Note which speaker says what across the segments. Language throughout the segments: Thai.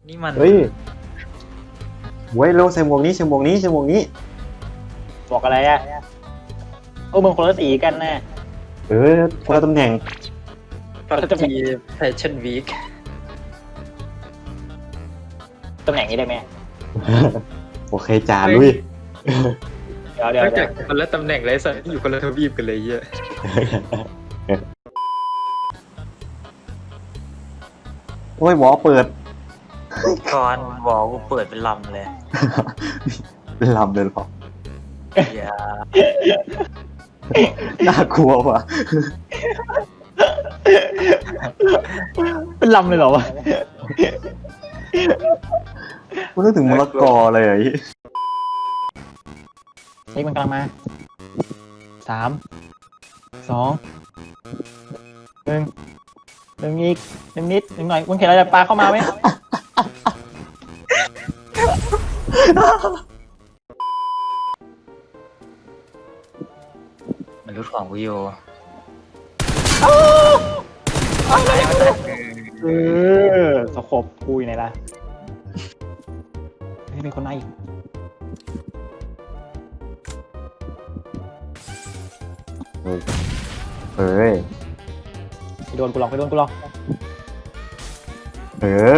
Speaker 1: นี่มัน
Speaker 2: เฮ้ยเว้ยเร็วใส่หมวกนี้ใส่หมวกนี้ใส่หมวกนี้
Speaker 3: บอกอะไรอ่ะโอ้มึงคนละสีกันนะ
Speaker 2: คนละตำแหน่ง
Speaker 1: พับจีแฟชั่นวีค
Speaker 3: ตำแหน่งนี้ได้ไหม
Speaker 2: โอเคจ่าลุย
Speaker 3: เดี๋ยวน
Speaker 1: อกจากคนละตำแหน่งไรสัตว์อยู่คนละทวีปกันเลยเยอะ
Speaker 2: โอ้ยหมอเปิด
Speaker 1: ก่อนบอกกูเปิดเป็นลำเลย
Speaker 2: เป็นลำเลยเหรอ
Speaker 1: อย่า
Speaker 2: น่ากลัวว่ะ
Speaker 3: เป็นลำเลยเหรอวะ
Speaker 2: กูนึกถึงมะละกอเลยอ่ะ
Speaker 3: เช็คมันกำลังมา3 2 1อีก1นิด1หน่อยมึงเห็นอะไรปลาเข้ามาไหม
Speaker 1: มันรู้ของกูอยู่
Speaker 3: สกบกูอยู่ไหนล่ะเฮ้ยเป็นคนไหนอีก
Speaker 2: เฮ้ย
Speaker 3: ไปโดนกูหรอกไปโดนกูหรอก
Speaker 2: เออ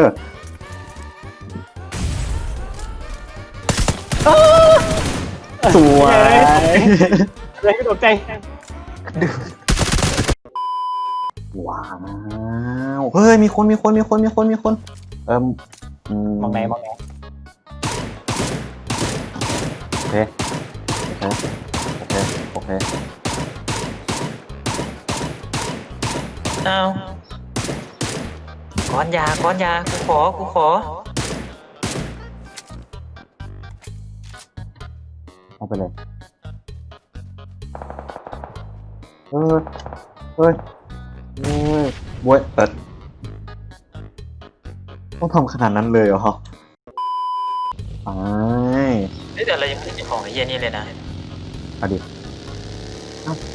Speaker 2: สวย
Speaker 3: เลยไม่ตกใจ
Speaker 2: ว้าวเฮ้ยมีคนเ
Speaker 3: มองไหนมองไหน
Speaker 2: โอเค
Speaker 1: เอาก้อนยากูขอ
Speaker 2: เอาไปเลยเฮ้ยบวยเปิดต้องทำขนาดนั้นเลยเหรอไป
Speaker 1: เฮ้ยแต่เรายังไม่ได้ของไอ้เหี้ยนี่เลยนะ
Speaker 2: เอาดิ
Speaker 1: เอ้า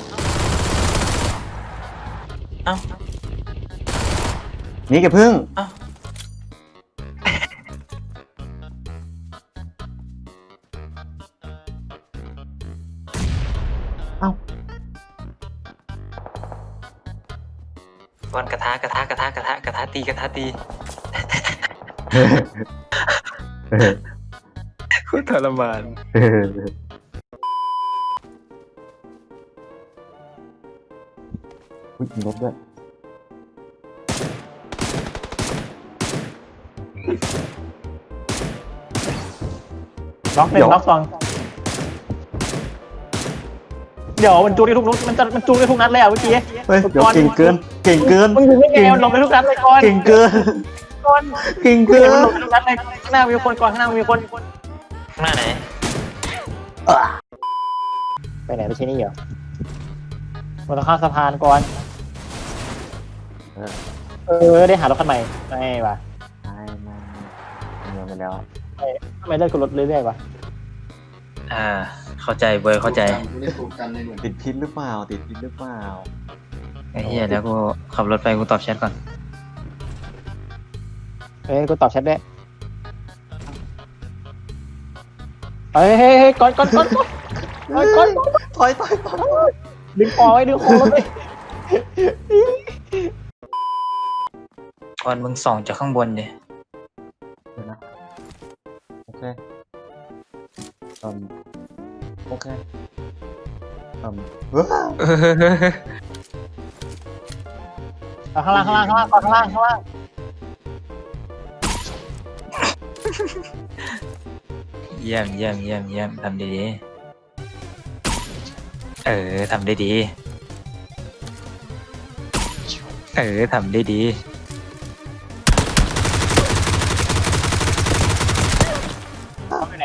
Speaker 2: นี่แกพึ่ง
Speaker 1: เอ้า
Speaker 2: เอ้า
Speaker 1: ก้อนกระทะตีโคตรทรมาน
Speaker 2: อุ๊ยมีรถด้วย
Speaker 3: ล็อกหนึ่งล็อกสองเดี๋ยวมันจูงได้ทุกนัดมันจูงได้ทุกนัดเลยอ่ะเมื่อกี้
Speaker 2: เฮ้ยเดี๋ยวเก่งเกิน
Speaker 3: มึงถึงไม่ไงมันลงไปทุกนัดเลยก่อน
Speaker 2: เก่งเกิน
Speaker 3: ก่อน
Speaker 2: เก่ง
Speaker 3: เกิ
Speaker 2: เกิ
Speaker 3: นมัน
Speaker 2: น
Speaker 3: ลงไปทุกนัดเลยข้างหน้ามีคนก่อนข้างหน้ามีคน
Speaker 1: ข้างหน้าไหน
Speaker 3: ไปไหนไปที่นี่เหรอมันต้องข้ามสะพานก่อนได้หารถคันใหม่ไม่ว่ะ
Speaker 2: ไม่เงินไปแล้ว
Speaker 3: ทำไมเลิกกับรถเรื่อยๆวะ
Speaker 1: เข้าใจเบอร์เข้าใจ
Speaker 2: ติดพิษหรือเปล่า
Speaker 1: ไอ้เหี้ยแล้วกูขับรถไปกูตอบแชทก่อน
Speaker 3: กูตอบแชทได้เฮ้ยก่อน
Speaker 2: ถอย
Speaker 3: ดึงคอไว้รถเลย
Speaker 1: ก่อนมึงส่องจากข้างบนดิ
Speaker 2: เดี๋ยวนะโอเคโอเค
Speaker 3: ข้างล่างก่อนข้างล่าง
Speaker 1: เยี่ยมทำดีๆทำได้ดีทำได้ดี
Speaker 3: เขาอยู่ไหน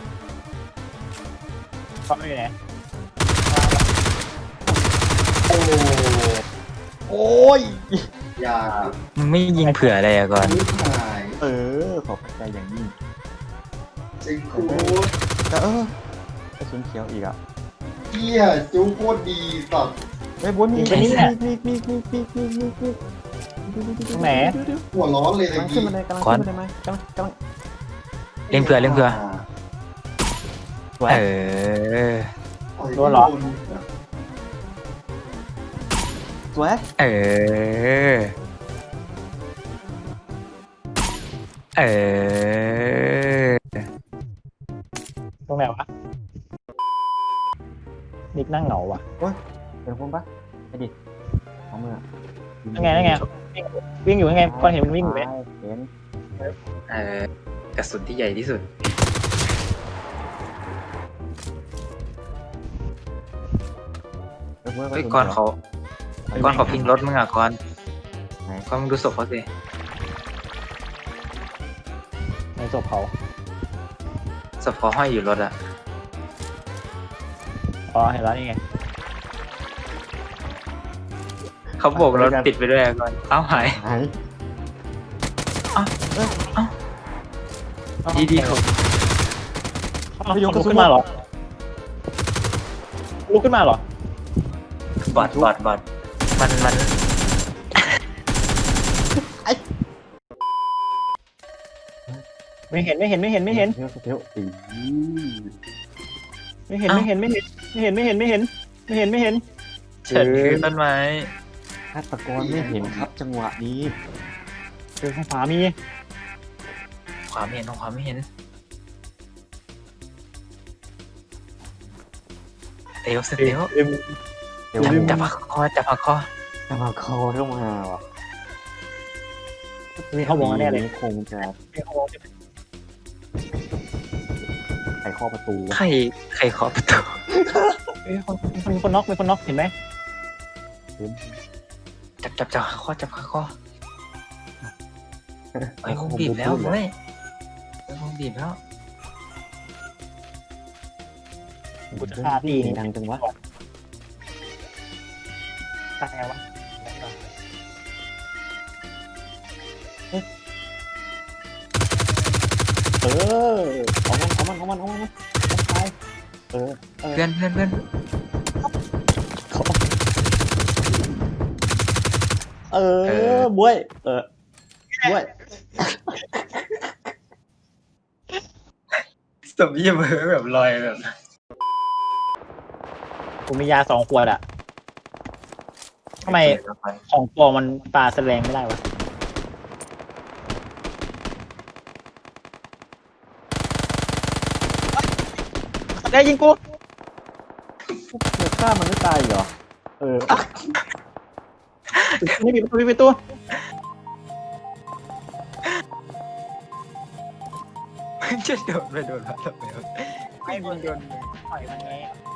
Speaker 2: โอ้ย
Speaker 4: อย่า
Speaker 1: มึงไม่ยิงเผื่ออะไรอะก่อน
Speaker 4: นิดหาย
Speaker 2: ขอบใจอย่างยิ่ง
Speaker 4: จริงคู
Speaker 2: แต่กระสุนเขียวอีกอ่ะ
Speaker 4: เฮียจูโคตรดีสัตว์
Speaker 2: ไอ้บนนี่
Speaker 3: ยิงไปนี่แหละ
Speaker 2: นี่
Speaker 3: ตรงไหน
Speaker 4: หัวร้อนเลย
Speaker 5: กำลังขึ้นมาเลยกำลังขึ้นมาเลยไหมกำลัง
Speaker 1: เล่นเผื่อเล่นเผื่อ
Speaker 5: สวย
Speaker 1: เออ
Speaker 3: โดนเหรอ
Speaker 5: สวย
Speaker 1: เออ เออ
Speaker 3: ตรงไหนวะนิกนั่งเหงาว่ะ
Speaker 5: เป็นคนปะไปดิเอามือ
Speaker 3: นั่นไงวิ่งอยู่ยังไงก่อนเห็นมันวิ่งอยู่ไหม
Speaker 5: เห็น
Speaker 1: กระสุนที่ใหญ่ที่สุด เฮ้ยก่อนเขาพิงรถมึงอ่ะก่อนมึงดูศพเขาสิ
Speaker 3: ในศพเขา
Speaker 1: ศพเขาห้อยอยู่รถอ่ะ
Speaker 3: อ๋อเห็นแล้วนี่ไง
Speaker 1: เขาโบกรถติดไปด้วยอะก่อนเอ้าหาย
Speaker 5: หาย
Speaker 1: ดีๆเขา
Speaker 3: เอาลุกขึ้นมาเหรอลุกขึ้นมาเหรอบ
Speaker 1: อดมัน
Speaker 3: ไม่เห็น
Speaker 5: เที่ยว
Speaker 3: ไม่เห็นไม่เห็น
Speaker 1: เฉินคือต้นไม้
Speaker 5: ฆาตกรไม่เห็นครับจังหวะนี้
Speaker 3: เจอข้างขวามี
Speaker 1: ขวาไม่เห็นขวาไม่เห็นเตลสเตล
Speaker 5: เดี๋ยว
Speaker 1: จับผักคอ
Speaker 5: จะมาคอเข้ามาว่ะ
Speaker 3: มีเขาบอกว่าแน่เลย
Speaker 5: คงจะไขข้อประตู
Speaker 1: ใครเคาะประตู
Speaker 3: มีคนน็อกเห็นไหม
Speaker 1: จับผักคอไอ้คงบีบแล้วเว้ยไอ้คงบีบแล้ว
Speaker 3: กูจะฆ่าพี่
Speaker 5: ดังจังวะ
Speaker 3: ตายไงวะ
Speaker 5: เอามันตาย
Speaker 1: เพื่อน
Speaker 5: ด้วยบ้วย
Speaker 1: สมยี่มือแบบลอยแบบ
Speaker 3: กูมียา2 ขวดอะทำไมของปลอมมันปลาแสลงไม่ได้วะได้ยิงกู
Speaker 5: เด็กฆ่ามันไม่ตายเหรอ
Speaker 3: นี่ปิดประตู
Speaker 1: จะโดนไปโดนมาทำไม
Speaker 3: ไม่มึงโดนปล่อยมันไง